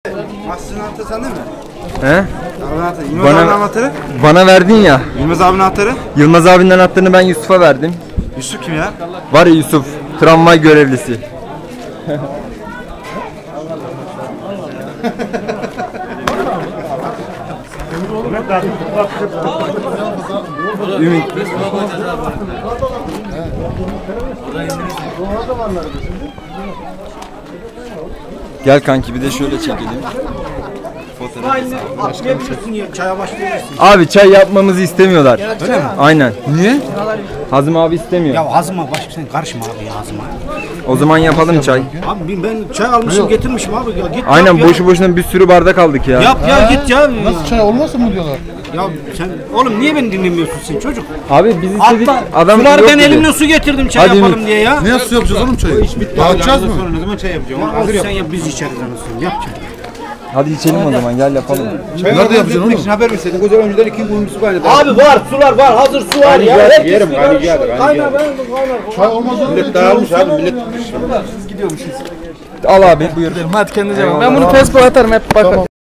Mahsus'un anahtarı sende mi? He? Yılmaz abinin anahtarı? Bana verdin ya. Yılmaz abinin anahtarı? Yılmaz abinin anahtarını ben Yusuf'a verdim. Yusuf kim ya? Var ya Yusuf, tramvay görevlisi. Ümit. Gel kanki bir de şöyle çekelim. Çaya başlıyorsun. Abi çay yapmamızı istemiyorlar. Öyle mi? Aynen. Niye? Hazım abi istemiyor. Ya Hazım'a başka sen karışma abi ya Hazım'a. O zaman yapalım çay. Abi ben çay almışım getirmişim abi ya git. Aynen yap boşu boşuna bir sürü bardak aldık ya. Yap ya git ya. Nasıl çay olmasın mı diyorlar? Ya sen oğlum niye beni dinlemiyorsun sen çocuk? Abi biz istedik adam Sular yok ben dedi. elimle su getirdim çay Hadi yapalım Ümit. diye ya. Ne su yapacağız oğlum çayı? Dağıtacağız mı? Ne zaman çay yapacağım? Sen yap biz içeriz anasını yap çay. Hadi içelim o zaman gel yapalım. Nerede yapacaksın oğlum? Haber verseydin güzel önceden 2 gün su kaynadı. Abi var sular var hazır su var ya. Yerim kaynayacaktı. Kaynar ben kaynar. Çay olmaz oğlum. Millet dağılmış abi millet. Al abi buyur. Hadi kendinize bakın. Ben bunu Facebook'a atarım hep bakın.